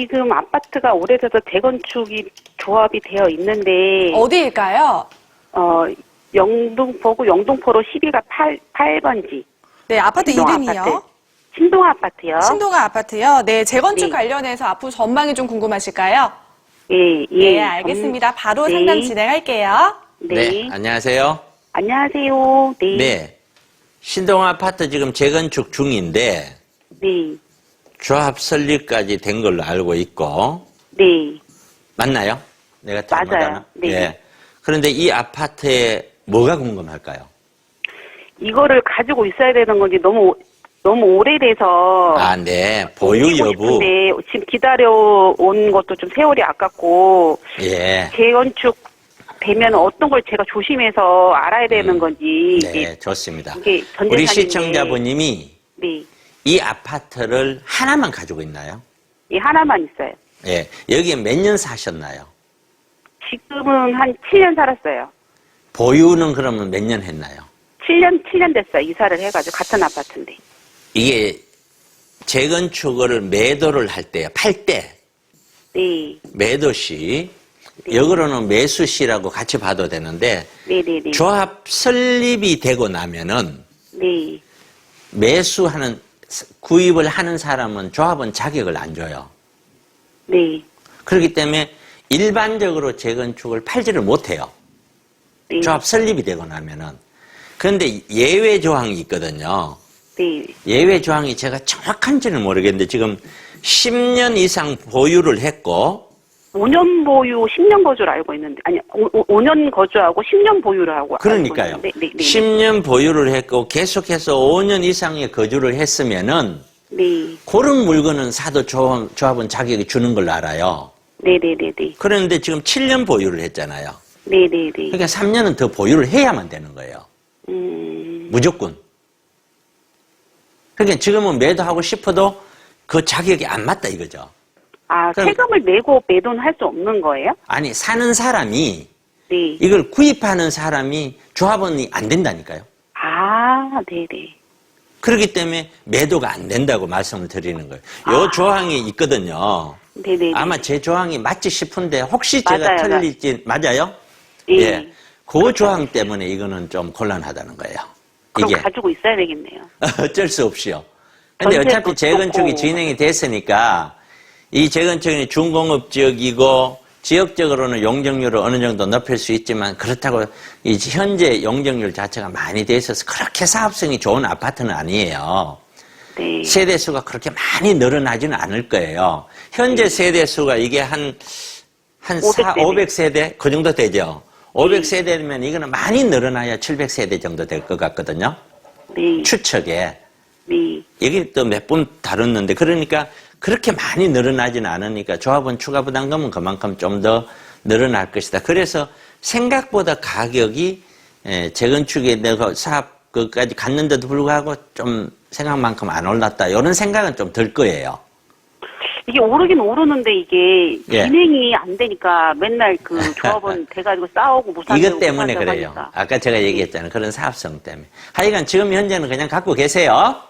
지금 아파트가 오래돼서 재건축이 조합이 되어 있는데, 어디일까요? 영등포구 영등포로 12가 8번지. 네, 아파트 이름이요? 신동아 아파트요. 신동아 아파트요. 네, 재건축 네. 관련해서 앞으로 전망이 좀 궁금하실까요? 예, 네, 알겠습니다. 바로 네. 상담 진행할게요. 네. 안녕하세요. 안녕하세요. 네. 네. 신동 아파트 지금 재건축 중인데 네. 조합 설립까지 된 걸로 알고 있고 네. 맞나요? 내가 맞아요. 잘못하나? 네. 예. 그런데 이 아파트에 뭐가 궁금할까요? 이거를 가지고 있어야 되는 건지 너무 오래돼서. 아, 네. 보유 옮기고 여부. 싶은데 지금 기다려온 것도 좀 세월이 아깝고. 예. 재건축 되면 어떤 걸 제가 조심해서 알아야 되는 건지. 네, 좋습니다. 이게 전 우리 재산인데. 시청자분님이 네. 이 아파트를 하나만 가지고 있나요? 이 하나만 있어요. 예. 여기에 몇 년 사셨나요? 지금은 한 7년 살았어요. 보유는 그러면 몇 년 했나요? 7년 됐어요. 이사를 해가지고 같은 아파트인데. 이게 재건축을 매도를 할 때요. 팔 때. 네. 매도시. 네. 역으로는 매수시라고 같이 봐도 되는데 네네네. 조합 설립이 되고 나면은 네. 구입을 하는 사람은 조합은 자격을 안 줘요. 네. 그렇기 때문에 일반적으로 재건축을 팔지를 못해요. 네. 조합 설립이 되고 나면은. 그런데 예외 조항이 있거든요. 네. 예외 조항이 제가 정확한지는 모르겠는데 지금 10년 이상 보유를 했고 5년 보유, 10년 거주를 알고 있는데, 아니, 5년 거주하고 10년 보유를 하고. 그러니까요. 알고 있는데, 네. 10년 보유를 했고 계속해서 5년 이상의 거주를 했으면은 네. 그런 물건은 사도 조합은 자격이 주는 걸로 알아요. 네네네네. 그런데 지금 7년 보유를 했잖아요. 네네네. 그러니까 3년은 더 보유를 해야만 되는 거예요. 무조건. 그러니까 지금은 매도하고 싶어도 그 자격이 안 맞다 이거죠. 아, 그럼- 세금을 내고 매도는 할 수 없는 거예요? 아니 사는 사람이 네. 이걸 구입하는 사람이 조합원이 안 된다니까요. 아, 네네. 그렇기 때문에 매도가 안 된다고 말씀을 드리는 거예요. 요 조항이 있거든요. 네네. 아마 제 조항이 맞지 싶은데 혹시 제가 맞아요. 틀릴지 맞아요? 예. 그 조항 때문에 이거는 좀 곤란하다는 거예요. 그럼 이게 가지고 있어야 되겠네요. 어쩔 수 없이요. 근데 전세도 어차피 재건축이 좋고. 진행이 됐으니까 이 재건축이 준공업 지역이고 지역적으로는 용적률을 어느 정도 높일 수 있지만 그렇다고 이 현재 용적률 자체가 많이 돼 있어서 그렇게 사업성이 좋은 아파트는 아니에요. 네. 세대수가 그렇게 많이 늘어나지는 않을 거예요. 현재 세대수가 이게 한 500세대? 그 정도 되죠. 500세대면 이거는 많이 늘어나야 700세대 정도 될 것 같거든요. 네. 추측에. 네. 여기 또 몇 번 다뤘는데 그러니까 그렇게 많이 늘어나지는 않으니까 조합원 추가 부담금은 그만큼 좀 더 늘어날 것이다. 그래서 생각보다 가격이 재건축에 내가 사업 그까지 갔는데도 불구하고 좀 생각만큼 안 올랐다. 이런 생각은 좀 들 거예요. 이게 오르긴 오르는데 이게 예. 진행이 안 되니까 맨날 그 조합원 돼가지고 싸우고 못 산다고 이것 때문에 못 산다고 그래요. 하니까. 아까 제가 얘기했잖아요. 그런 사업성 때문에. 하여간 지금 현재는 그냥 갖고 계세요.